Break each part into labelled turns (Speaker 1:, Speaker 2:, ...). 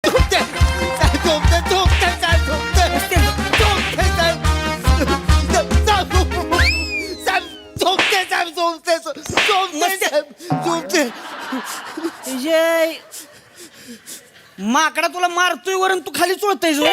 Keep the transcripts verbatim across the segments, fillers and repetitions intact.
Speaker 1: झोपते साहेब झोपते झोपते साहेब झोपते झोपते साहेब साहेब झोपते साहेब झोपते झोपते साहेब झोपते
Speaker 2: जय माकडा तुला मारतोय वरून तू खाली चोळतोय जो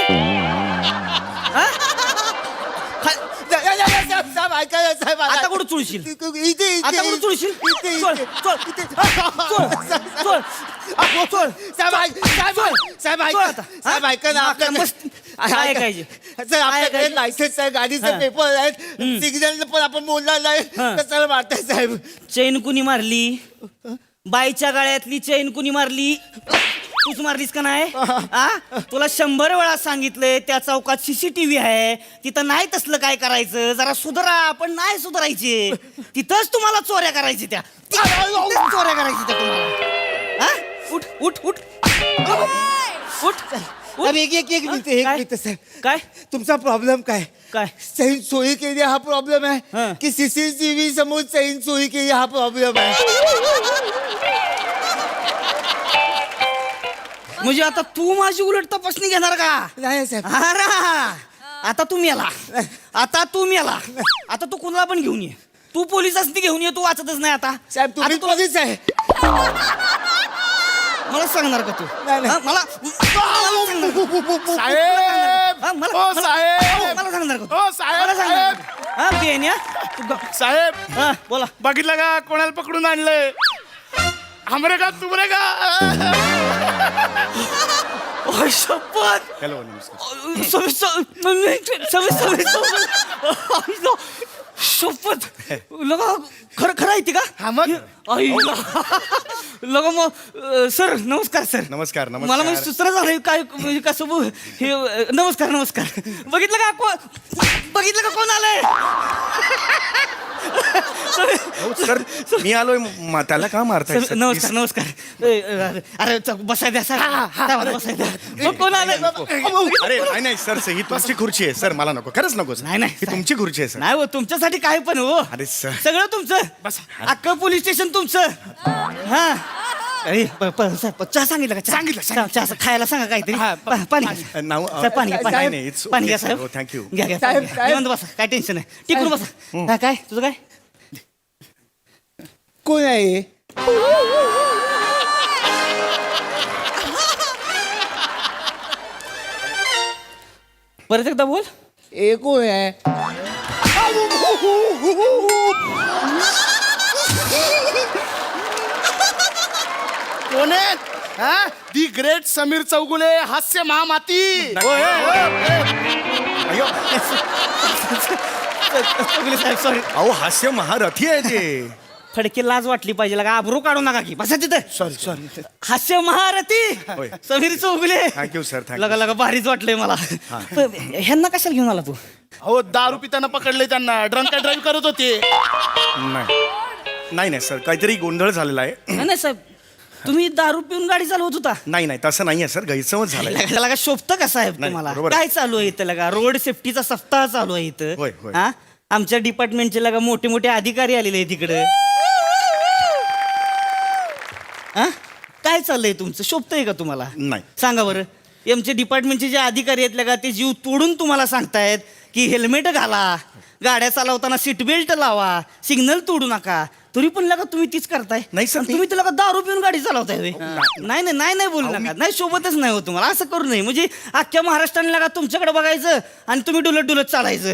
Speaker 1: साहेब ऐका साहेब
Speaker 2: आता कुठं चुळशील
Speaker 1: इथे इथे
Speaker 2: आता कुठं चुळशील
Speaker 1: इथे
Speaker 2: चोळ चोळ चोळ चोळ चोळ
Speaker 1: साहेब ऐक साहेब साहेब ऐका साहेब ऐका ना आपल्या
Speaker 2: मस्त काय ऐकायचे
Speaker 1: सर आपल्याकडे लायसन्स आहे गाडीचे पेपर आहेत सिग्नल पण आपण बोलणार नाही कशाला मारताय साहेब
Speaker 2: चैन कुणी मारली बाईच्या गाळ्यातली चैन कुणी मारली तूच मारलीस का नाही आ तुला शंभर वेळा सांगितलंय त्या चौकात सीसीटीव्ही आहे तिथं नाही तसलं काय करायचं जरा सुधारा आपण नाही सुधारायचे तिथंच तुम्हाला चोऱ्या करायची त्या तिथंच चोऱ्या करायची त्या तुम्हाला हा? उठ उठ उठ उठ
Speaker 1: अरे एक एक एक मिनिट एक
Speaker 2: काय?
Speaker 1: मिनिट साहेब
Speaker 2: काय
Speaker 1: तुमचा प्रॉब्लेम काय
Speaker 2: काय
Speaker 1: चैन चोरी केली हा प्रॉब्लेम
Speaker 2: हं.
Speaker 1: आहे की सीसीटीव्ही समोर चैन चोरी केली हा प्रॉब्लेम आहे
Speaker 2: म्हणजे आता तू माझी उलट तपासणी घेणार का
Speaker 1: नाही साहेब
Speaker 2: अरे आता तू मेला आता तू मेला आता तू कुणाला पण घेऊन ये तू पोलीस असती घेऊन ये तू वाचतच नाही आता
Speaker 1: साहेब तुम्ही
Speaker 2: आता तुला
Speaker 1: पोलीस आहे
Speaker 2: मला सांगणार का तू
Speaker 1: नाही, नाही.
Speaker 2: हा, मला मला सांगणार का?
Speaker 3: साहेब
Speaker 2: हा, मला-
Speaker 3: ओ
Speaker 2: मला-
Speaker 3: साहेब
Speaker 2: मला सांगणार का तू?
Speaker 3: ओ साहेब
Speaker 2: मला सांगणार
Speaker 3: साहेब
Speaker 2: का? हा बेन्या तू ग-
Speaker 3: साहेब
Speaker 2: हा, बोला
Speaker 3: बघितलं का कोणाला पकडून आणलंय हमरे का तुमरे का
Speaker 2: ओय, शपथ
Speaker 3: हॅलो नमस्कार
Speaker 2: अ, सवय- सवय- सवय- सवय- सवय- आईला, शपथ लगा खरं खरं आहे ते का
Speaker 3: हा, मग?
Speaker 2: आईला. लगा मग अ, सर नमस्कार सर
Speaker 3: नमस्कार, नमस्कार.
Speaker 2: मला म्हणजे सुचरा झालंय काय म्हणजे कसं बो- हे अ, नमस्कार नमस्कार बघितलं का को- बघितलं का कोण आलंय
Speaker 3: हो, सर मी आलोय म- त्याला का मारताय
Speaker 2: सर,
Speaker 3: सर?
Speaker 2: नमस्कार नमस्कार ए, अरे अरे च- बसाय द्या सर साहेबाला बसाय द्या मग कोण आलंय
Speaker 3: अरे नाही नाही सर ही तुमची खुर्ची आहे सर मला नको खरंच नको
Speaker 2: नाही, नाही.
Speaker 3: ही तुमची खुर्ची आहे सर
Speaker 2: नाही हो तुमच्यासाठी काय पण हो
Speaker 3: अरे सर
Speaker 2: सगळं तुमचं
Speaker 3: बस.
Speaker 2: अख्खं पोलीस स्टेशन तुमचं हा अरे प- प- साहेब, चहा सांगितलं का चहा?
Speaker 3: सांगितलं,
Speaker 2: चहा चहा खायला सांगा काहीतरी
Speaker 3: हा,
Speaker 2: पा- पाणी घ्या.
Speaker 3: नाव
Speaker 2: साहेब, पाणी घ्या, पाणी
Speaker 3: नाही
Speaker 2: घ्या.
Speaker 3: नाही it's
Speaker 2: पाणी
Speaker 3: okay,
Speaker 2: घ्या
Speaker 3: sir.
Speaker 2: साहेब
Speaker 3: हो, thank you.
Speaker 2: घ्या घ्या
Speaker 1: साहेब,
Speaker 2: पाणी घ्या.
Speaker 1: साहेब.
Speaker 2: निवांत बसा काय टेन्शन नाही टिकून बसा हा, काय तुझं काय
Speaker 1: कोण आहे
Speaker 2: परत एकदा बोल
Speaker 1: ए कोण आहे
Speaker 3: कोण आहे हा दी ग्रेट समीर चौगुले हास्य महामाती अयो
Speaker 2: साहेब सॉरी
Speaker 3: अहो हास्य महारथी आहे ते
Speaker 2: फडके लाज वाटली पाहिजे लगा आबरू काढू नका की बसा तिथं
Speaker 3: सॉरी सॉरी
Speaker 2: हास्य महारथी
Speaker 3: होय.
Speaker 2: Sameer Chougule
Speaker 3: thank you sir thank you
Speaker 2: लगा लगा भारीच वाटलंय मला पण ह्यांना कशाला घेऊन आला तू
Speaker 3: हो दारू पिताना पकडले त्यांना ड्रंक अँड ड्राईव्ह करत होते नाही नाही नाही सर काहीतरी गोंधळ झालेला आहे
Speaker 2: नाही नाही, साहेब तुम्ही दारू पिऊन गाडी चालवत होता
Speaker 3: नाही नाही तसं नाहीये सर गैरसमज झालाय
Speaker 2: त्याला का शोभतं का साहेब
Speaker 3: नाही,
Speaker 2: तुम्हाला
Speaker 3: बरोबर आहे.
Speaker 2: काय चालू आहे इथं लगा रोड सेफ्टीचा सप्ताह चालू आहे इथं
Speaker 3: होय, होय.
Speaker 2: हा आमच्या डिपार्टमेंटचे लगा मोठे मोठे अधिकारी आलेले आहेत तिकडे हा काय चाललंय तुमचं शोभतंय का तुम्हाला
Speaker 3: नाही.
Speaker 2: सांगा बरं आमचे डिपार्टमेंटचे जे अधिकारी आहेत लगा ते जीव तोडून तुम्हाला सांगतायत की हेल्मेट घाला गाड्या चालवताना सीट बेल्ट लावा सिग्नल तोडू नका तरी पण लगा तुम्ही तीच करताय
Speaker 3: नाही सर,
Speaker 2: आणि
Speaker 3: मी-
Speaker 2: तुम्ही तुला दारू पिऊन गाडी चालवताय होय. नाही नाही नाही नाही बोलू नका नाही सोबतच नाही हो तुम्हाला असं करू नये म्हणजे अख्ख्या महाराष्ट्राने लगा तुमच्याकडे बघायचं आणि तुम्ही डुलत डुलत चालायचं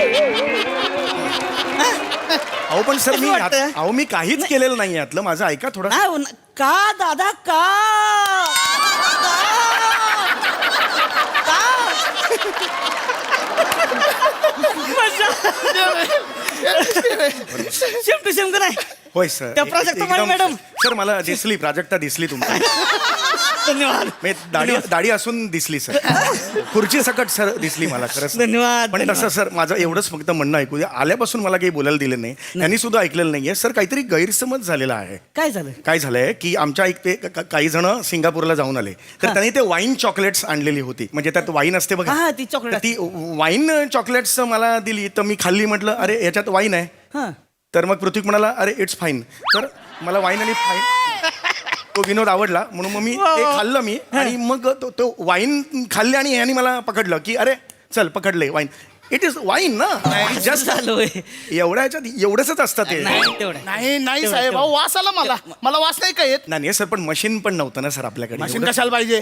Speaker 3: अहो पण सर
Speaker 2: कसं
Speaker 3: मी
Speaker 2: वाटतं?
Speaker 3: अहो मी काहीच केलेलं नाही यातलं माझं ऐका थोडं
Speaker 2: नाही हो ना- का दादा का शेम टू शेम का नाही
Speaker 3: होय सर
Speaker 2: त्या प्राजक्ता
Speaker 3: एकदम-
Speaker 2: मॅडम.
Speaker 3: सर मला दिसली प्राजक्ता दिसली तुमची
Speaker 2: धन्यवाद
Speaker 3: मी दाढी दाढी असून दिसली सर खुर्ची सकट सर दिसली मला खरंच
Speaker 2: धन्यवाद,
Speaker 3: पण
Speaker 2: धन्यवाद.
Speaker 3: तसं सर माझं एवढंच फक्त म्हणणं ऐकू द्या आल्यापासून मला काही बोलायला दिलं नाही त्यांनी सुद्धा ऐकलेलं नाहीये सर काहीतरी गैरसमज झालेला आहे
Speaker 2: काय झालं
Speaker 3: काय झालंय की आमच्या एक ते क- काही जण सिंगापूरला जाऊन आले तर
Speaker 2: हा.
Speaker 3: त्यांनी ते वाईन चॉकलेट्स आणलेली होती म्हणजे त्यात वाईन असते बघा
Speaker 2: हा, ती chocolate
Speaker 3: तर ती वाईन चॉकलेट्स मला दिली तर मी खाल्ली म्हटलं अरे याच्यात वाईन आहे
Speaker 2: हा
Speaker 3: तर मग पृथ्वी म्हणाला अरे इट्स फाईन तर मला वाईन आणि फाईन तो विनोद आवडला म्हणून मग मी ते खाल्लं मी आणि मग तो तो वाईन खाल्ले आणि यांनी मला पकडलं की अरे चल पकडले वाईन इट इज वाईन ना जस्ट
Speaker 2: झालोय
Speaker 3: एवढ्या ह्याच्यात एवढंच असतं ते
Speaker 2: नाही तेवढं
Speaker 1: नाही नाही साहेब अहो वास आला मला मला वास नाही का येत
Speaker 3: नाही सर पण मशीन पण नव्हतं ना सर आपल्याकडे
Speaker 1: मशीन कशाला पाहिजे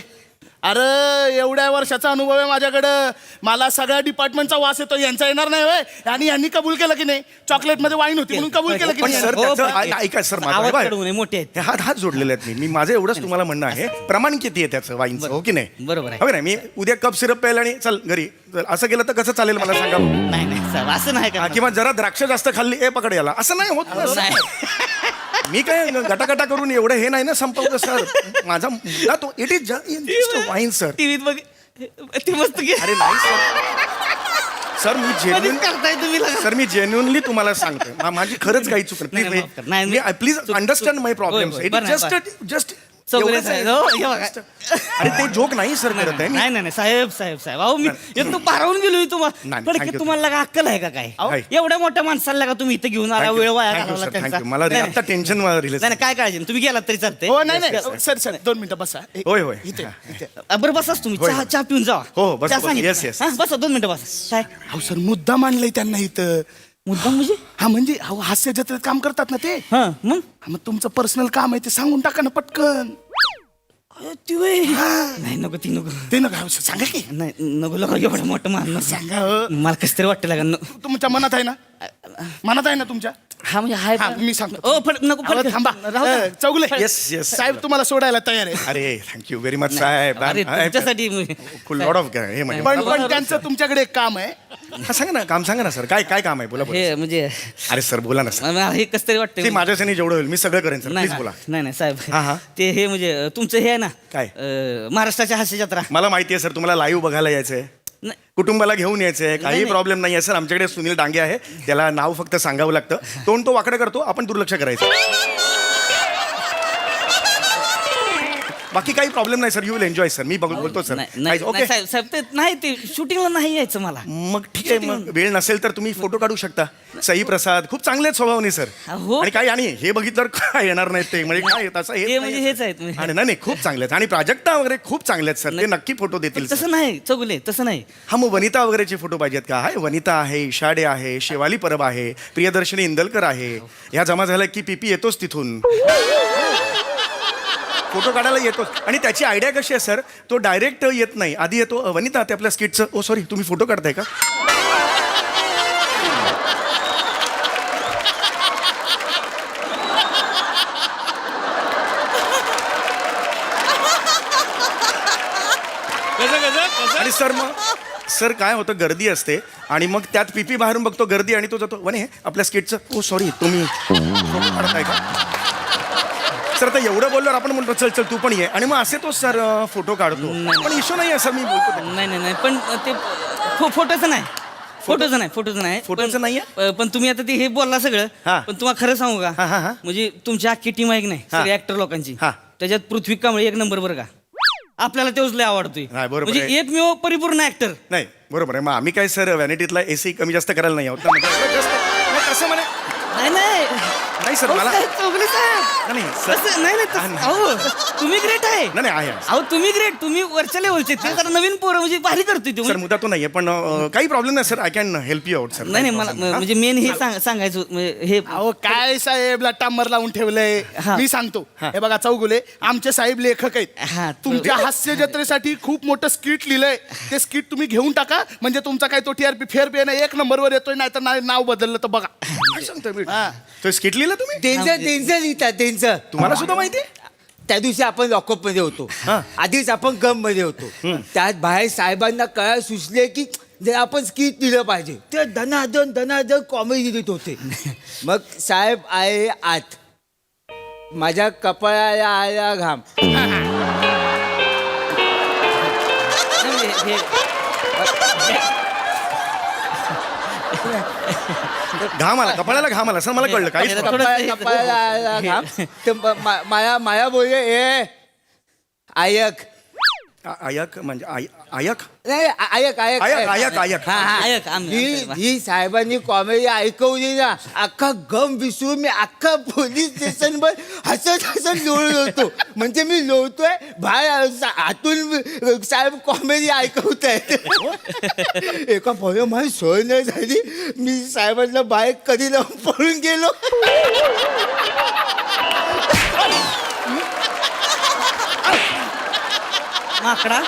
Speaker 1: अरे एवढ्या वर्षाचा अनुभव आहे माझ्याकडं मला सगळ्या डिपार्टमेंटचा वास येतो यांचा येणार नाही होय आणि यांनी कबूल केलं की नाही चॉकलेट मध्ये वाईन होती म्हणून कबूल केलं की
Speaker 3: पण
Speaker 1: नाही
Speaker 3: सर
Speaker 2: हो,
Speaker 3: त्याचं
Speaker 2: पण-
Speaker 3: ऐ- ऐका सर माझं
Speaker 2: आवाज
Speaker 3: बघा.
Speaker 2: कडवू नये, मोठे आहेत.
Speaker 3: हे हात हात जोडलेले आहेत मी मी माझं एवढंच तुम्हाला म्हणणं आहे प्रमाण किती आहे त्याचं वाईनचं हो की नाही
Speaker 2: बरोबर आहे.
Speaker 3: हो की नाही मी उद्या कप सिरप प्यायला आणि चल घरी चल, असं केलं तर कसं चालेल मला सांगा
Speaker 2: नाही नाही साहेब असं नाही
Speaker 3: हा,
Speaker 2: का
Speaker 3: किंवा जरा द्राक्ष जास्त खाल्ली ए पकड याला असं नाही होत ना,
Speaker 2: नाही
Speaker 3: सर. मी काय गटागटा करून एवढं हे नाही ना संपवलं सर माझा मुद्दा तो it is just wine sir
Speaker 2: टीव्हीत बघ ती मस्त घे
Speaker 3: अरे नाही सर सर मी
Speaker 2: कधीच
Speaker 3: जेन्युन
Speaker 2: करताय तुम्ही लगा.
Speaker 3: सर मी जेन्युनली तुम्हाला सांगतोय मा- माझी खरंच काही चूक
Speaker 2: नाही, नाही, माफ करा. नाही,
Speaker 3: नाही
Speaker 2: नाही.
Speaker 3: प्लीज
Speaker 2: चूक-
Speaker 3: अंडरस्टँड माय प्रॉब्लेम
Speaker 2: होय, होय. बरं,
Speaker 3: जस्ट जस्ट
Speaker 2: सगळे साहेब, हो, हे बघा.
Speaker 3: अरे ते जोक नाही सर करत आहे मी
Speaker 2: नाही नाही नाही साहेब साहेब साहेब अहो मी एक तो पारावून गेलो तुम्हाला
Speaker 3: नाही,
Speaker 2: पण
Speaker 3: thank
Speaker 2: की
Speaker 3: you,
Speaker 2: तुम्हाला लगा अक्कल आहे का काय
Speaker 3: अहो.
Speaker 2: एवढ्या मोठ्या माणसाला का तुम्ही इथे घेऊन आला वेळ वाया घालवला
Speaker 3: थँक्यू
Speaker 2: त्यांचा
Speaker 3: मला
Speaker 2: नाही,
Speaker 3: आता टेन्शन रिलीज
Speaker 2: नाही नाही, काय काळजी नाही. तुम्ही गेलात तरी चालते
Speaker 1: हो नाही नाही सर सर दोन मिनिटं बसा ए,
Speaker 3: होय होय
Speaker 1: इथे
Speaker 3: हा.
Speaker 1: इथे.
Speaker 2: बरं बसाच तुम्ही
Speaker 3: होय,
Speaker 2: चहा
Speaker 3: होय.
Speaker 2: चहा पिऊन जावा
Speaker 3: हो, बस,
Speaker 2: चहा
Speaker 3: बस.
Speaker 2: सांगितलं.
Speaker 3: Yes, yes.
Speaker 2: हा, बसा दोन मिनिटं बसा काय
Speaker 1: अहो सर मुद्दा मांडलाय त्यांना इथं
Speaker 2: मुद्दा म्हणजे
Speaker 1: हा म्हणजे अहो हास्य जत्रेत काम करतात ना ते
Speaker 2: हा मग
Speaker 1: हा, मग तुमचं पर्सनल काम आहे ते सांगून टाका ना पटकन
Speaker 2: अरे, ती वय. नाही नको ती नको
Speaker 1: ते नका सांगा की
Speaker 2: नाही नको लगा एवढं मोठं मान
Speaker 1: सांगा हो.
Speaker 2: मला कसं तरी वाटतं लागा न-
Speaker 1: तुमच्या मनात आहे ना मनात आहे ना तुमच्या
Speaker 2: हा म्हणजे हाय
Speaker 1: हा,
Speaker 2: पण-
Speaker 1: मी सांगतो.
Speaker 2: ओ फट नको
Speaker 1: अहो,
Speaker 2: फटकन.
Speaker 1: थांबा
Speaker 2: राहू द्या.
Speaker 1: अ, चौगुले
Speaker 3: Yes, yes.
Speaker 1: साहेब तुम्हाला सोडायला तयार आहे
Speaker 3: अरे थँक्यू व्हेरी मच साहेब
Speaker 2: अरे तुमच्यासाठी
Speaker 3: लॉट ऑफ हे म्हणजे
Speaker 1: पण पण त्यांचं तुमच्याकडे एक काम आहे
Speaker 3: हा, सांगा ना काम सांगा ना सर काय काय काम आहे बोला बोला
Speaker 2: हे म्हणजे
Speaker 3: अरे सर बोला ना सर
Speaker 2: मला हे कसं तरी वाटतं
Speaker 3: ते माझ्यासाठी जेवढं होईल मी सगळं करेन सर
Speaker 2: नाही
Speaker 3: प्लीज बोला
Speaker 2: नाही नाही
Speaker 3: हा, हा.
Speaker 2: साहेब ते हे म्हणजे तुमचं हे आहे ना
Speaker 3: काय?
Speaker 2: अं, महाराष्ट्राच्या हास्य जत्रा
Speaker 3: मला माहिती आहे सर तुम्हाला लाईव्ह बघायला यायचंय
Speaker 2: नाही.
Speaker 3: कुटुंबाला घेऊन यायचंय काही
Speaker 2: नाही.
Speaker 3: प्रॉब्लेम नाही आहे सर आमच्याकडे सुनील डांगे आहे त्याला नाव फक्त सांगावं लागतं तोंड तो वाकडं करतो आपण दुर्लक्ष करायचं बाकी काही प्रॉब्लेम नाही sir you will enjoy sir मी बघ- बोलतो सर
Speaker 2: नाही, नाही
Speaker 3: ओके
Speaker 2: नाही, साहेब साहेब ते नाही ते शूटिंगला नाही यायचं मला
Speaker 3: मग ठीक आहे मग वेळ नसेल तर तुम्ही फोटो काढू शकता सई प्रसाद खूप चांगले आहेत स्वभावने सर
Speaker 2: हो.
Speaker 3: आणि काय आणि हे बघितलं काय येणार नाहीत ते म्हणजे काय तसं
Speaker 2: हे
Speaker 3: हेच
Speaker 2: म्हणजे
Speaker 3: नाहीये,
Speaker 2: हेच
Speaker 3: सर.
Speaker 2: आहेत म्हणजे.
Speaker 3: आणि नाही नाही, खूप चांगले आहेत आणि प्राजक्ता वगैरे खूप चांगले आहेत सर ते नक्की फोटो देतील सर.
Speaker 2: तसं नाही चौगुले तसं नाही
Speaker 3: हा मग वनिता वगैरेचे फोटो पाहिजेत का हाय वनिता आहे इशाडे आहे शेवाली परब आहे प्रियदर्शनी इंदलकर आहे ह्या जमा झाल्या की पीपी येतोच तिथून फोटो काढायला येतोच आणि त्याची आयडिया कशी आहे सर तो डायरेक्ट येत नाही आधी येतो "अ, वनिता ते आपल्या स्किटचं ओ सॉरी तुम्ही फोटो काढताय का आणि सर मग सर काय होतं गर्दी असते आणि मग त्यात पीपी बाहेरून बघतो गर्दी आणि तो जातो वने आपल्या स्किटचं ओ सॉरी तुम्ही फोटो काढताय का सर आता एवढं बोलल्यावर आपण म्हणतो चल चल तू पण ये आणि मग असे तो सर फोटो काढतो पण इशू नाही आहे सर मी बोलतो ते.
Speaker 2: नाही नाही नाही पण ते फो- फोटोचं नाही फोटोचं नाही फोटोचं नाही
Speaker 3: फोटोचं
Speaker 2: पण-
Speaker 3: नाहीये?
Speaker 2: प- पण तुम्ही आता ते हे बोलला सगळं
Speaker 3: हा.
Speaker 2: पण तुम्हाला खरं सांगू
Speaker 3: हा, हा, हा.
Speaker 2: का म्हणजे तुमची अख्खी टीम आहे की नाही
Speaker 3: हा.
Speaker 2: सगळे ऍक्टर लोकांची
Speaker 3: हा.
Speaker 2: त्याच्यात पृथ्वी कांबळे एक नंबर बरं का आपल्याला तेच लय आवडतोय
Speaker 3: नाही, बरोबर
Speaker 2: म्हणजे
Speaker 3: आहे.
Speaker 2: एकमेव परिपूर्ण ऍक्टर
Speaker 3: नाही बरोबर आहे मग आम्ही काय सर व्हॅनिटीतला एसी कमी जास्त करायला नाही आहोत ना. म्हणजे just- नाही, कसं म्हणे
Speaker 2: नाही नाही
Speaker 3: नाही सर
Speaker 2: अहो,
Speaker 3: मला
Speaker 2: साहेब, चौगुले साहेब
Speaker 3: नाही, नाही, सर-
Speaker 2: तसं- नाही नाही
Speaker 3: हा,
Speaker 2: तसं-
Speaker 3: नाही.
Speaker 2: अहो तुम्ही ग्रेट आहे
Speaker 3: नाही नाही आहे
Speaker 2: अहो तुम्ही ग्रेट तुम्ही वरच्या लेवलचे ते जरा नवीन पोरं म्हणजे भारी करतोय ते
Speaker 3: सर मुद्दा तो नाहीये पण अं, काही प्रॉब्लेम नाही sir I can help you out sir
Speaker 2: नाही नाही मला म्हणजे मेन हे सांग- सांगायचं होतं, म्हणजे हे
Speaker 1: अहो काय साहेब टांबर लावून ठेवलंय
Speaker 2: हा.
Speaker 1: मी सांगतो हे बघा चौगुले आमचे साहेब लेखक
Speaker 2: हा,
Speaker 1: आहेत तुमच्या हास्य जत्रेसाठी खूप मोठं स्किट लिहिलंय ते स्किट तुम्ही घेऊन टाका म्हणजे तुमचा काय तो टीआरपी फेर बी ना एक नंबरवर येतोय नाही तर नाव बदललं तर बघा
Speaker 3: काय सांगतोय मी तो स्किट लिहिला तुम्ही
Speaker 1: त्यांचं त्यांचं लिहितात त्यांचं
Speaker 3: तुम्हाला सुद्धा माहिती आहे
Speaker 4: त्या दिवशी आपण लॉकअप मध्ये होतो आधीच आपण गम मध्ये होतो त्यात बाहेर साहेबांना कळायला सुचले की जर आपण स्किट दिलं पाहिजे ते धनाधन धनाधन कॉमेडी देत होते मग साहेब आहे आत माझ्या कपाळाला आला घाम
Speaker 2: हे- हे-
Speaker 3: घाम आला कपाळाला घाम आला सर मला कळलं काहीच
Speaker 2: थोडं-
Speaker 3: problem.
Speaker 4: कपाळ- कपाळाला आला घाम तर म- मा- माया माया बोलले ए आयक
Speaker 3: आ- आयक म्हणजे आय- आयक
Speaker 4: नाही आ- आयक आयक
Speaker 3: आयक, आयक, आयक.
Speaker 4: हा, हा.
Speaker 2: आयक, आम्ही-
Speaker 4: ही ही साहेबांनी कॉमेडी ऐकवली ना अख्खा गम विसरून मी अख्खा पोलीस स्टेशनवर हसत हसत लोळत होतो म्हणजे मी लोळतोय बाहेर सा- आतून साहेब कॉमेडी ऐकवत आहेत एका पोहे माझी सोय नाही झाली मी साहेबांना बाहेर कधी लावून पळून गेलो
Speaker 2: माकडा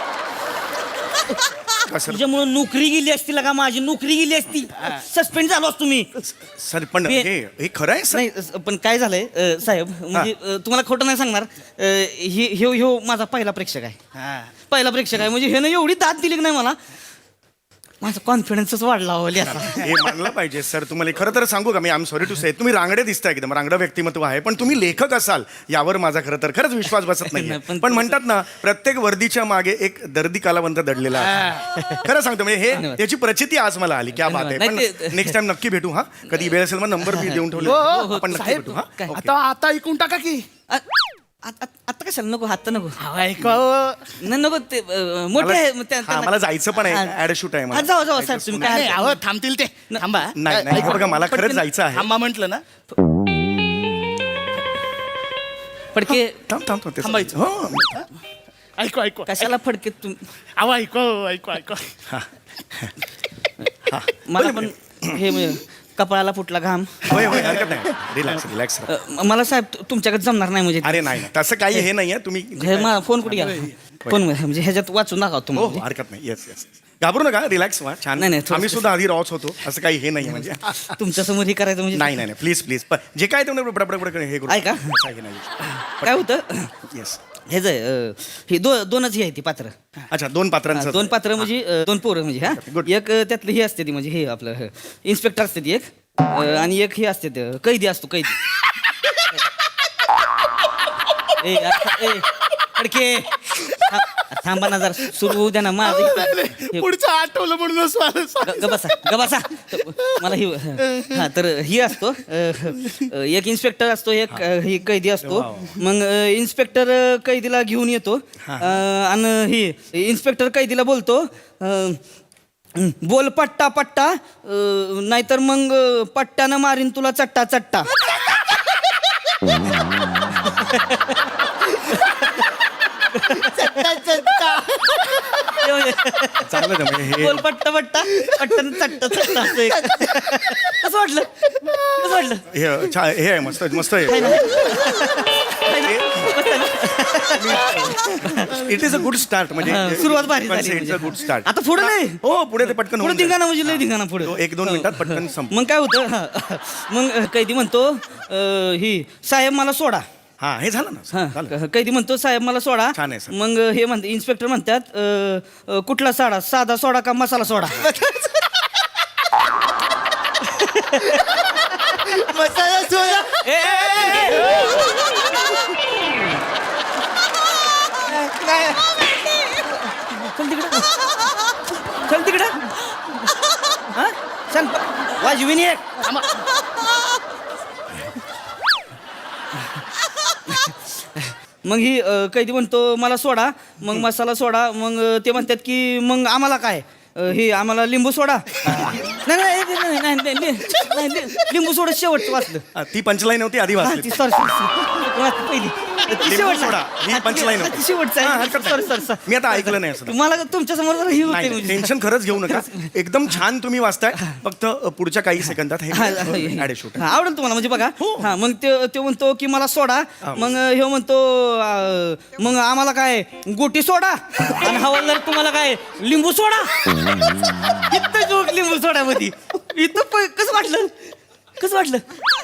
Speaker 3: का सर
Speaker 2: तुझ्यामुळे नोकरी गेली असती का माझी नोकरी गेली असती सस्पेंड झालो असतो मी
Speaker 3: सर पण
Speaker 2: मी-
Speaker 3: हे हे खरं आहे सर
Speaker 2: नाही अ, पण काय झालंय अ, साहेब म्हणजे अ, तुम्हाला खोटं नाही सांगणार अ, हे ह्यो ह्यो माझा पहिला प्रेक्षक आहे पहिला प्रेक्षक आहे म्हणजे ह्यानं एवढी दाद दिली की नाही मला माझा कॉन्फिडन्सच वाढला हो लिहायचा.
Speaker 3: हे मानलं पाहिजे सर तुम्हाला खरं तर सांगू का मी I am sorry to say तुम्ही रांगडे दिसता एकदम रांगडं व्यक्तिमत्व आहे पण तुम्ही लेखक असाल यावर माझा खरं तर खरंच विश्वास बसत नाही
Speaker 2: नाही, पण
Speaker 3: पण म्हणतात ना प्रत्येक वर्दीच्या मागे एक दर्दी कालावंत दडलेला आहे खरं सांगतो म्हणजे हे
Speaker 2: धन्यवाद.
Speaker 3: याची प्रचिती आज मला आली क्या बात आहे
Speaker 2: धन्यवाद. नाही,
Speaker 3: पण
Speaker 2: ते-
Speaker 3: नेक्स्ट टाइम नक्की भेटू हा कधी वेळ असेल मग नंबर मी देऊन ठेवले
Speaker 1: हो, हो,
Speaker 3: आपण नक्की
Speaker 1: साहेब,
Speaker 3: भेटू हा
Speaker 2: काय?
Speaker 3: ओके.
Speaker 1: आता आता ऐकून टाका की
Speaker 2: अ, आ- आ- आता कशाला नको आता नको
Speaker 1: ऐका
Speaker 2: नाही नको ते अ, मोठे आहे, मग त्या-
Speaker 3: हा,
Speaker 2: त्यांना-
Speaker 3: मला जायचं पण आहे
Speaker 2: हा.
Speaker 3: ऍड शूट आहे मला.
Speaker 2: हा, जाऊ जाऊ साहेब तुम्ही काय
Speaker 1: नाही
Speaker 2: हरकत
Speaker 1: अहो थांबतील ते थांबा
Speaker 3: नाही, नाही,
Speaker 1: ऐका,
Speaker 3: बघा, मला खरंच
Speaker 1: पटकन
Speaker 3: जायचं आहे.
Speaker 1: थांबा म्हटलं ना
Speaker 2: फडके
Speaker 3: थांब थांब थांब ते-
Speaker 1: थांबायचं.
Speaker 3: हो
Speaker 1: ऐकू ऐकू
Speaker 2: कशाला फडके तुम
Speaker 1: अहो ऐकू ऐकू ऐकू
Speaker 2: मला पण हे म्हणजे कपाळाला फुटला घाम
Speaker 3: होय होय हरकत नाही रिलॅक्स रिलॅक्स
Speaker 2: अ, म- मला साहेब तु- तुमच्याकडे जमणार नाही म्हणजे
Speaker 3: अरे नाही नाही, तसं काही हे नाहीये तुम्ही
Speaker 2: हे मा- फोन कुठे गेला फोन म्हणजे ह्याच्यात वाचून दाखवा
Speaker 3: हो हो
Speaker 2: तुम्हाला
Speaker 3: हरकत नाही येस येस घाबरू नका रिलॅक्स व्हा छान
Speaker 2: नाही, नाही, थोडं-
Speaker 3: आम्ही सुद्धा आधी रॉच होतो असं काही हे नाही म्हणजे
Speaker 2: तुमच्या समोर हे करायचं म्हणजे
Speaker 3: नाही नाही नाही प्लीज प्लीज जे काय तुम्ही बडबड हे करू
Speaker 2: ऐका.
Speaker 3: असं काही नाही
Speaker 2: काय होतं
Speaker 3: येस
Speaker 2: हे जे अ, हे दो दोनच हे आहे ती पात्र
Speaker 3: अच्छा दोन पात्रांचं
Speaker 2: दोन पात्र म्हणजे अ, दोन पोरं म्हणजे हा
Speaker 3: good.
Speaker 2: एक अ, त्यातलं हे असते ती म्हणजे हे आपलं इन्स्पेक्टर असते ती एक अ, आणि एक हे असते ते, कैदी असतो कैदी ए आता- ए फडके था- थांबा ना जरा सुरू होऊ द्या ना माझं हे-
Speaker 1: पुढचं आठवलं म्हणून
Speaker 2: ग- गबसा गबसा त- मला ही हा तर ही असतो अ, अ, एक इन्स्पेक्टर असतो एक अ, ही कैदी असतो मग अ, इन्स्पेक्टर अ, कैदीला घेऊन येतो अ, आणि ही इन्स्पेक्टर कैदीला बोलतो अ, हं, बोल पट्टा पट्टा अ, नाहीतर मग अ, पट्ट्यानं मारीन तुला चट्टा चट्टा
Speaker 3: चांगलं आहे म्हणजे हे
Speaker 2: बोल पट्टा पट्टा पट्ट्यानं चट्टा चट्टा असं एक. कसं वाटलं कसं वाटलं
Speaker 3: हे छा- हे आहे मस्त मस्त आहे it is a good start म्हणजे
Speaker 2: हा, सुरुवात भारी झाली
Speaker 3: इट्स अ
Speaker 2: म्हणजे.
Speaker 3: गुड स्टार्ट
Speaker 2: आता पुढे नाही
Speaker 3: हो पुढे ते पटकन
Speaker 2: पुढे
Speaker 3: होऊन जाईल.
Speaker 2: धिंगाणा म्हणजे लय धिंगाणा पुढे
Speaker 3: तो एक दोन मिनिटात पटकन संप
Speaker 2: मग काय होतं हा. मग अ, कैदी म्हणतो अ, ही साहेब मला सोडा
Speaker 3: हा हे झालं ना
Speaker 2: हा
Speaker 3: झालं.
Speaker 2: क- कैदी म्हणतो साहेब मला सोडा
Speaker 3: छान आहे, सर.
Speaker 2: मग अ, हे म्हणते इन्स्पेक्टर म्हणतात अ, अ, कुठला साडा साधा सोडा का मसाला सोडा
Speaker 4: मसाला सोडा
Speaker 2: ए, ए, ए,
Speaker 4: काय
Speaker 2: चल तिकडं चल तिकडं हा चल वाजवी नाही एक मग ही अ, कैदी म्हणतो मला सोडा मग मसाला सोडा मग अ, ते म्हणतात की मग आम्हाला काय अ, हे आम्हाला लिंबू सोडा नाही नाही नाही, नाही, नाही, नाही, नाही, नाही, लिंबू सोडा शेवटचं वाचलं
Speaker 3: हा, ती पंचलाईन होती आधी
Speaker 2: हा,
Speaker 3: वाचली
Speaker 2: ती सॉरी सॉरी पहिली ती
Speaker 3: लिंबू
Speaker 2: शेवटचं.
Speaker 3: सोडा ही
Speaker 2: हा, ती-
Speaker 3: पंचलाईन
Speaker 2: हा,
Speaker 3: होती
Speaker 2: ती शेवटचं
Speaker 3: हा,
Speaker 2: आहे
Speaker 3: हरकत
Speaker 2: सॉरी
Speaker 3: नाही.
Speaker 2: सॉरी सॉरी
Speaker 3: मी आता ऐकलं नाही असं
Speaker 2: तुम्हाला तुमच्या समोर जरा ही होते
Speaker 3: नाही
Speaker 2: म्हणजे.
Speaker 3: टेन्शन खरंच घेऊ नका एकदम छान तुम्ही वाचताय फक्त अ, पुढच्या काही सेकंदात
Speaker 2: हा, हा,
Speaker 3: हे
Speaker 2: हा.
Speaker 3: ॲड शूट
Speaker 2: हा, आवडेल तुम्हाला म्हणजे बघा हा मग ते ते म्हणतो की मला सोडा मग हे म्हणतो अं, मग आम्हाला काय गोटी सोडा आणि हवालदार तुम्हाला काय लिंबू सोडा इथं जोक लिंबू सोडा मध्ये इथं प- कसं वाटलं कसं वाटलं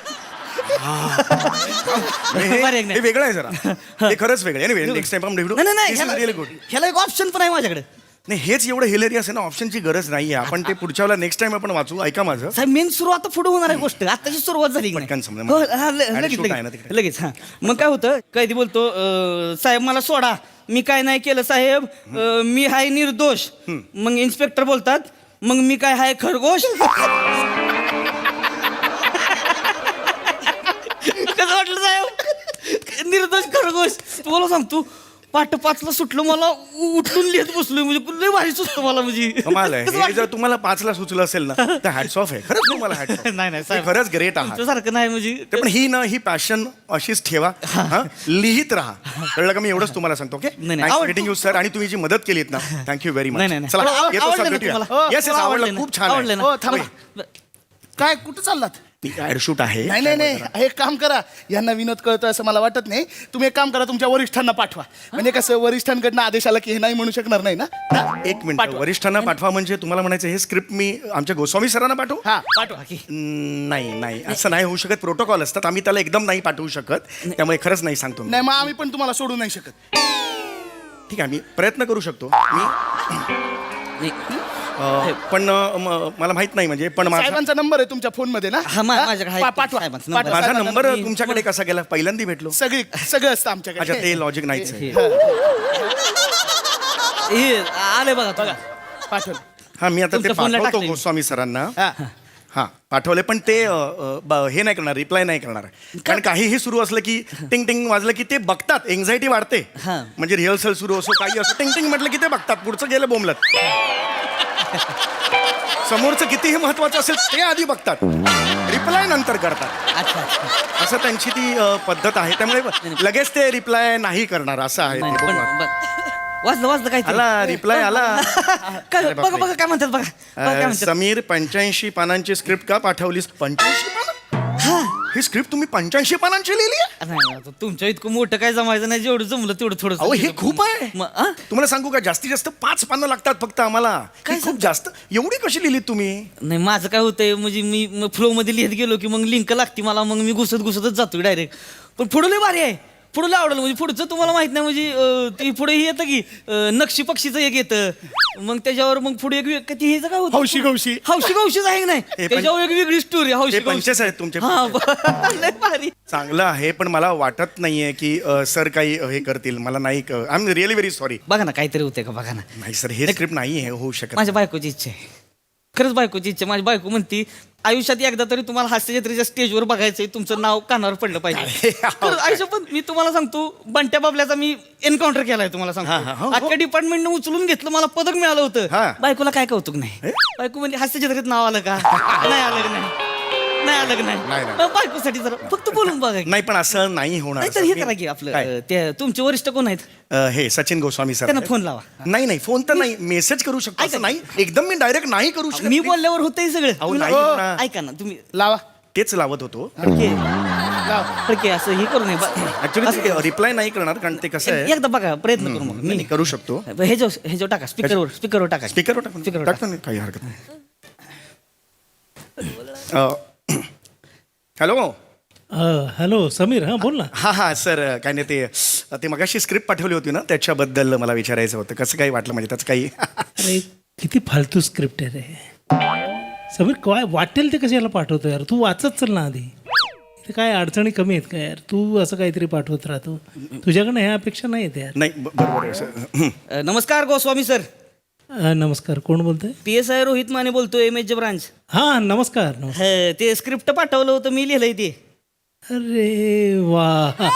Speaker 3: हे
Speaker 2: बरं, एक नाही.
Speaker 3: हे वेगळं आहे जरा हे खरंच वेगळं आहे नेक्स्ट टाइम
Speaker 2: नाही नाही, नाही
Speaker 3: रिअली
Speaker 2: ह्याला
Speaker 3: गुड
Speaker 2: ह्याला एक ऑप्शन पण आहे माझ्याकडे
Speaker 3: नाही हेच एवढं हिलेरियस आहे ना ऑप्शनची गरज नाहीये आपण ते पुढच्या वेळेला नेक्स्ट टाइम आपण वाचू ऐका माझं
Speaker 2: साहेब मेन सुरू आता पुढे होणार आहे गोष्ट आताची सुरुवात झाली की नाही?
Speaker 3: पटकन समजा.
Speaker 2: हो, हा, ल-
Speaker 3: आणि
Speaker 2: लगेच
Speaker 3: shoot आहे ना
Speaker 2: लगेच
Speaker 3: तिकडे.
Speaker 2: लगेच हा मग काय होतं कैदी बोलतो अं, साहेब मला सोडा मी काय नाही केलं साहेब अं, मी हाय निर्दोष मग इन्स्पेक्टर बोलतात मग मी काय हाय खरगोश कसं वाटलं साहेब निर्दोष खरगोश तुम्हाला सांगतो पाठ पाचला सुटलं मला उ- उठून लिहित बसलोय म्हणजे लय भारी सुचतं मला म्हणजे
Speaker 3: कमाल आहे
Speaker 2: कसं
Speaker 3: हे
Speaker 2: वाटतं?
Speaker 3: जर तुम्हाला पाचला सुचलं असेल ना तर हॅट्स ऑफ आहे खरंच तुम्हाला हॅट्स ऑफ
Speaker 2: नाही नाही साहेब
Speaker 3: खरंच ग्रेट आहात
Speaker 2: तुमच्यासारखं नाही म्हणजे
Speaker 3: ते पण ही ना ही पॅशन अशीच ठेवा हा लिहित राहा कळलं का मी एवढंच तुम्हाला सांगतो ओके
Speaker 2: नाही, नाही. आवड-
Speaker 3: मीटिंग यू सर आणि तुम्ही जी मदत केलीत ना थँक्यू व्हेरी
Speaker 2: नाही,
Speaker 3: मच
Speaker 2: नाही, नाही.
Speaker 3: चला
Speaker 2: आवड-
Speaker 3: येतो
Speaker 2: आवडलं
Speaker 3: सर
Speaker 2: ना
Speaker 3: भेटूया
Speaker 2: तुम्हाला?
Speaker 3: येस येस
Speaker 2: आवडलं
Speaker 3: आवडलं
Speaker 2: ना?
Speaker 3: खूप छान
Speaker 2: आवडलं
Speaker 3: आहे
Speaker 2: ना?
Speaker 1: हो थांबा काय कुठं चाललात
Speaker 3: ऍड शूट आहे
Speaker 1: नाही नाही नाही एक काम करा यांना विनोद कळतो असं मला वाटत नाही तुम्ही एक काम करा तुमच्या वरिष्ठांना पाठवा म्हणजे कसं वरिष्ठांकडनं आदेश आला की हे नाही म्हणू शकणार नाही ना हा?
Speaker 3: एक मिनिट
Speaker 1: पाठवा.
Speaker 3: वरिष्ठांना पाठवा म्हणजे तुम्हाला म्हणायचं हे स्क्रिप्ट मी आमच्या गोस्वामी सरांना पाठवू
Speaker 1: हा पाठवा
Speaker 3: हम्म, नाही नाही असं नाही होऊ शकत प्रोटोकॉल असतात आम्ही त्याला एकदम नाही पाठवू शकत त्यामुळे खरंच नाही सांगतो मी.
Speaker 1: नाही मग आम्ही पण तुम्हाला सोडू नाही शकत
Speaker 3: ठीक आहे मी प्रयत्न करू शकतो मी
Speaker 2: नाही.
Speaker 3: अं, पण अं, म- मला माहित नाही म्हणजे पण माझा
Speaker 1: साहेबांचा नंबर आहे तुमच्या फोन मध्ये ना
Speaker 2: हा, मा-
Speaker 1: हा?
Speaker 2: माझ्याकडे आहे.
Speaker 1: पा- पाठवा
Speaker 2: साहेबांचा
Speaker 1: पाठवा.
Speaker 3: माझा
Speaker 1: साहेबांचा
Speaker 3: नंबर
Speaker 1: मी-
Speaker 3: तुमच्याकडे कसा गेला पहिल्यांदा भेटलो
Speaker 1: सगळी सगळं असतं
Speaker 3: अच्छा
Speaker 1: आमच्याकडे
Speaker 3: ते लॉजिक नाहीच आहे
Speaker 2: हे आले बघा
Speaker 1: बघा पाठवलं
Speaker 3: हा मी आता ते
Speaker 2: तुमच्या फोनला
Speaker 3: पाठवतो
Speaker 2: टाकले मी.
Speaker 3: गोस्वामी सरांना
Speaker 1: हा
Speaker 3: हा पाठवले पण ते अ, अ, ब- हे नाही करणार रिप्लाय नाही करणार कारण काहीही सुरू असलं की टिंग टिंग वाजलं की ते बघतात एन्झायटी वाढते
Speaker 2: हा.
Speaker 3: म्हणजे रिहर्सल सुरू असो काही असो टिंग टिंग म्हटलं की ते बघतात पुढचं गेलं बोंबलत समोरचं कितीही महत्वाचं असेल ते आधी बघतात रिप्लाय नंतर करतात
Speaker 2: अच्छा अच्छा
Speaker 3: असं त्यांची ती अ, पद्धत आहे त्यामुळे लगेच ते रिप्लाय नाही करणार असं आहे
Speaker 2: नाही,
Speaker 3: ते
Speaker 2: पण
Speaker 3: बघा.
Speaker 2: पण- वाजलं वाजलं काय
Speaker 3: आला रिप्लाय आला
Speaker 2: काय
Speaker 3: अरे
Speaker 2: बघा
Speaker 3: बापरे.
Speaker 2: बघा काय म्हणतात बघा बघा काय
Speaker 3: अ,
Speaker 2: म्हणतात
Speaker 3: समीर पंच्याऐंशी पानांची स्क्रिप्ट का पाठवलीस पंच्याऐंशी पानं ही स्क्रिप्ट तुम्ही पंच्याऐंशी पानांची लिहिली आहे
Speaker 2: नाही, नाही, आता तुमच्या इतकं मोठं काय जमायचं नाही जेवढं जमलं तेवढं थोडं
Speaker 3: अहो हे खूप आहे
Speaker 2: मग, आ?
Speaker 3: तुम्हाला सांगू का जास्तीत जास्त पाच पानं लागतात फक्त आम्हाला
Speaker 2: काय
Speaker 3: हे खूप जास्त एवढी कशी लिहिलीत तुम्ही
Speaker 2: नाही माझं काय होतंय म्हणजे मी फ्लो मध्ये लिहित गेलो की मग लिंक लागते मला मग मी घुसत घुसतच जातो डायरेक्ट पण पुढं लय भारी आहे पुढं लय आवडलं म्हणजे पुढचं तुम्हाला माहित नाही म्हणजे अं, ती पुढे हे येतं की अं, नक्षी पक्षीचं एक येतं मग त्याच्यावर मग पुढे एक वे- ती हेच काय होतं
Speaker 1: हौशी गौशी
Speaker 2: हौशी गौशीच आहे की नाही
Speaker 3: पण-
Speaker 2: त्याच्यावर एक वेगळी स्टोरी हौशी
Speaker 3: हे
Speaker 2: गौशी
Speaker 3: पंचेस आहेत तुमचे
Speaker 2: हा ब- लय भारी
Speaker 3: चांगलं आहे पण मला वाटत नाहीये की अ, सर काही अ, हे करतील मला नाही I am really very sorry
Speaker 2: बघा ना काहीतरी होतंय का बघा ना
Speaker 3: नाही सर हे स्क्रिप्ट नाही आहे होऊ शकत
Speaker 2: माझ्या बायकोची इच्छा आहे खरंच बायकोची इच्छा आहे. माझी बायको म्हणती आयुष्यात एकदा तरी तुम्हाला हास्य जत्रेच्या स्टेजवर बघायचंय तुमचं नाव कानावर पडलं पाहिजे खरंच, आयुष्यात पण मी तुम्हाला सांगतो बंट्या बाबल्याचा मी एन्काउंटर केलाय तुम्हाला
Speaker 3: हा, हा,
Speaker 2: सांगतो
Speaker 3: हो, हो.
Speaker 2: अख्ख्या डिपार्टमेंटनं उचलून घेतलं मला पदक मिळालं होतं
Speaker 3: हा.
Speaker 2: बायकोला काय कौतुक नाही बायको म्हणजे हास्य जत्रेत नाव आलं का नाही आलं का नाही नाही आलं का
Speaker 3: नाही,
Speaker 2: नाही
Speaker 3: नाही.
Speaker 2: मग बायकोसाठी जरा फक्त बोलून बघा की.
Speaker 3: नाही पण असं नाही होणार
Speaker 2: नाही तर हे करा की आपलं
Speaker 3: काय?
Speaker 2: अं, ते तुमचे वरिष्ठ कोण आहेत
Speaker 3: अ, हे सचिन गोस्वामी सर
Speaker 2: त्यांना
Speaker 3: आहेत.
Speaker 2: फोन लावा.
Speaker 3: नाही नाही फोन तर नाही मेसेज करू शकतो असं नाही एकदम मी डायरेक्ट नाही करू शकत
Speaker 2: मी बोलल्यावर होतंय सगळं
Speaker 3: अहो,
Speaker 2: तुम्ही
Speaker 3: नाही
Speaker 2: ना-
Speaker 3: होणार.
Speaker 2: ऐका ना तुम्ही
Speaker 1: लावा
Speaker 3: तेच लावत होतो
Speaker 2: फडके फडके असं हे करू नये बा-
Speaker 3: ऍक्च्युली रिप्लाय नाही करणार कारण ते कसं आहे
Speaker 2: एकदा बघा प्रयत्न करू मग
Speaker 3: मी नाही करू शकतो
Speaker 2: हे जो हे जो टाका स्पीकरवर स्पीकरवर टाका
Speaker 3: स्पीकरवर टाकून
Speaker 2: स्पीकरवर
Speaker 3: टाकतो नाही काही हरकत नाही हॅलो
Speaker 5: अ, हॅलो समीर हां बोल ना
Speaker 3: हा हा सर काय नाही ते ते मगाशी स्क्रिप्ट पाठवली होती ना त्याच्याबद्दल मला विचारायचं होतं कसं काही वाटलं म्हणजे त्याचं काही
Speaker 5: अरे किती फालतू स्क्रिप्ट आहे रे समीर काय वाटेल ते कशाला पाठवतो यार तू वाचत चल ना आधी ते काय अडचणी कमी आहेत का यार तू असं काहीतरी पाठवत राहतो तुझ्याकडनं ह्या अपेक्षा नाही आहेत यार
Speaker 3: नाही ब- बरोबर आहे सर हं.
Speaker 2: अ, नमस्कार गोस्वामी सर
Speaker 5: अ, नमस्कार कोण बोलतोय
Speaker 2: P S I Rohit Mane बोलतोय एम एच ब्रांच
Speaker 5: हां नमस्कार नमस्कार
Speaker 2: ते स्क्रिप्ट पाठवलं होतं मी लिहिलंय ते
Speaker 5: अरे वा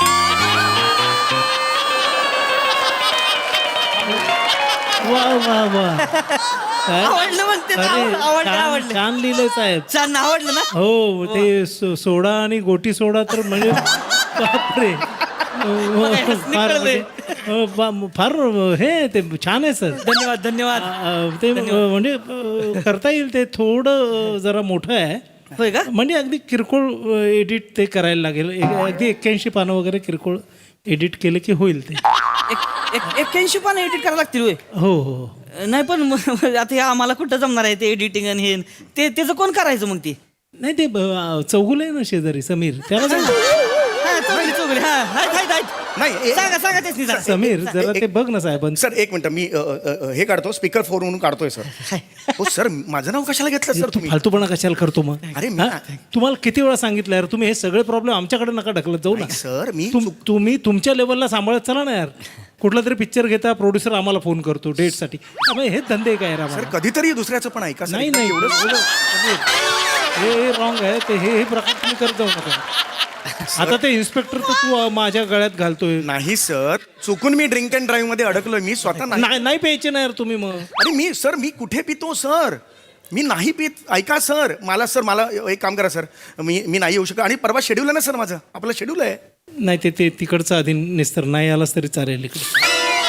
Speaker 5: वा वा वा काय?
Speaker 2: आवडलं म्हणते ना,
Speaker 5: अरे
Speaker 2: आवडलं
Speaker 5: छान
Speaker 2: आवडलं
Speaker 5: छान लिहिलंय साहेब
Speaker 2: छान आवडलं ना
Speaker 5: हो ते सो- सोडा आणि गोटी सोडा तर म्हणजे बापरे
Speaker 2: बघा, हसणे
Speaker 5: फार
Speaker 2: कळलंय.
Speaker 5: म्हणजे, अ, बा- फार हे ते छान आहे सर
Speaker 2: धन्यवाद धन्यवाद
Speaker 5: अ, ते अ, म्हणजे अ, करता येईल ते थोडं अ, जरा मोठं आहे
Speaker 2: होय का
Speaker 5: म्हणजे अगदी किरकोळ एडिट ते करायला लागेल एक- अगदी एक्क्याऐंशी पानं वगैरे किरकोळ एडिट केलं की होईल ते
Speaker 2: एक- एक- एक्क्याऐंशी पानं एडिट करायला लागतील होय
Speaker 5: हो हो
Speaker 2: नाही पण मग आता हे आम्हाला कुठं जमणार आहे ते एडिटिंग आणि हे ते त्याचं कोण करायचं मग ते
Speaker 5: नाही ते चौगुल आहे ना शेजारी समीर त्याला सांग.
Speaker 2: हा, चौगुले, चौगुले, हा, आहेत, आहेत, आहेत.
Speaker 3: नाही ए-
Speaker 2: सांगा सांगा तेच नाही जरा.
Speaker 5: समीर जरा ते बघ ना साहेबांचं
Speaker 3: सर एक मिनिट मी अ, अ, अ, हे काढतो स्पीकर फोर म्हणून काढतोय सर हो सर माझं नाव कशाला घेतलं सर
Speaker 5: तू
Speaker 3: तुम्ही
Speaker 5: फालतूपणा कशाला करतो मग
Speaker 3: अरे मी-
Speaker 5: हा? तुम्हाला किती वेळा सांगितलं यार तुम्ही हे सगळे प्रॉब्लेम आमच्याकडे नका ढकलत जाऊ ना
Speaker 3: नाही, सर मी
Speaker 5: तुम तुम्ही तुमच्या लेवलला सांभाळत चला ना यार कुठला तरी पिक्चर घेता प्रोड्युसर आम्हाला फोन करतो डेटसाठी त्यामुळे हेच धंदे काय यार
Speaker 3: सर
Speaker 5: आम्हाला?
Speaker 3: कधीतरी दुसऱ्याचं पण ऐका सर
Speaker 5: नाही नाही
Speaker 3: एवढं
Speaker 5: एवढं- हे रॉंग आहे ते हे हे प्रकार तुम्ही करत जाऊ नका आता ते इन्स्पेक्टर तर तू अं, माझ्या गळ्यात घालतोय.
Speaker 3: नाही सर, चुकून मी ड्रिंक अँड ड्राईव्ह मध्ये अडकलोय. मी स्वतः नाही.
Speaker 5: नाही नाही प्यायचे नाही यार तुम्ही मग.
Speaker 3: अरे मी सर मी कुठे पितो सर? मी नाही पित. ऐका सर, मला सर मला एक काम करा सर, मी मी नाही येऊ शकत. आणि परवा शेड्यूल आहे ना सर, माझं आपलं शेड्यूल आहे.
Speaker 5: नाही ते ते तिकडचं आधी निस्तर नाही आलास तरी चालेल इकडे.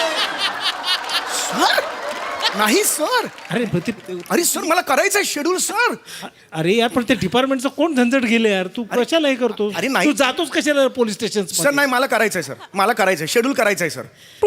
Speaker 3: सर नाही सर.
Speaker 5: अरे पण ते-
Speaker 3: अरे सर मला करायचंय शेड्यूल सर.
Speaker 5: अरे यार पण ते डिपार्टमेंटचं कोण झंझट गेले यार, तू कशाला हे करतो?
Speaker 3: अरे नाही.
Speaker 5: तू जातोस कशाला पोलीस स्टेशन?
Speaker 3: सर नाही, मला करायचंय सर, मला करायचंय शेड्यूल करायचंय सर.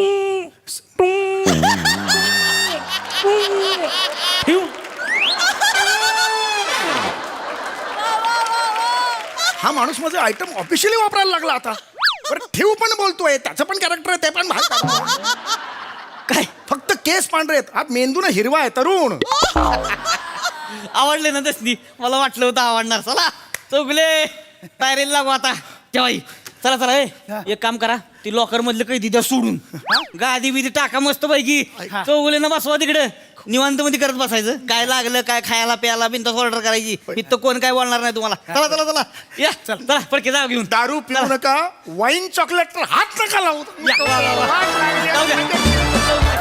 Speaker 3: हा माणूस माझं आयटम ऑफिशियली वापरायला लागला आता. बरं ठेवू पण बोलतोय, त्याचं पण कॅरेक्टर आहे, ते पण भाग काढतो.
Speaker 2: काय
Speaker 3: फक्त केस पांढरे आहेत, आत मेंदू ना हिरवा आहे, तरुण.
Speaker 2: आवडले ना दसनी? मला वाटलं होतं आवडणार. चला चौगले तयारीला लागू आता. जेवाई चला चला. ए एक काम करा, ती लॉकर मधलं काही दिद्या सोडून गादी बिदी टाका मस्त पैकी. चौगले ना बसवा तिकडे, निवांत मध्ये करत बसायचं. काय लागलं काय खायला प्यायला बिनतास ऑर्डर करायची. इथं कोण काय बोलणार नाही तुम्हाला. चला चला चला या चला पडके जाऊ घेऊन.
Speaker 3: दारू पिऊ नका, वाईन चॉकलेट तर हात नका लावू.
Speaker 2: या, वा, वा, वा. जाऊ द्या.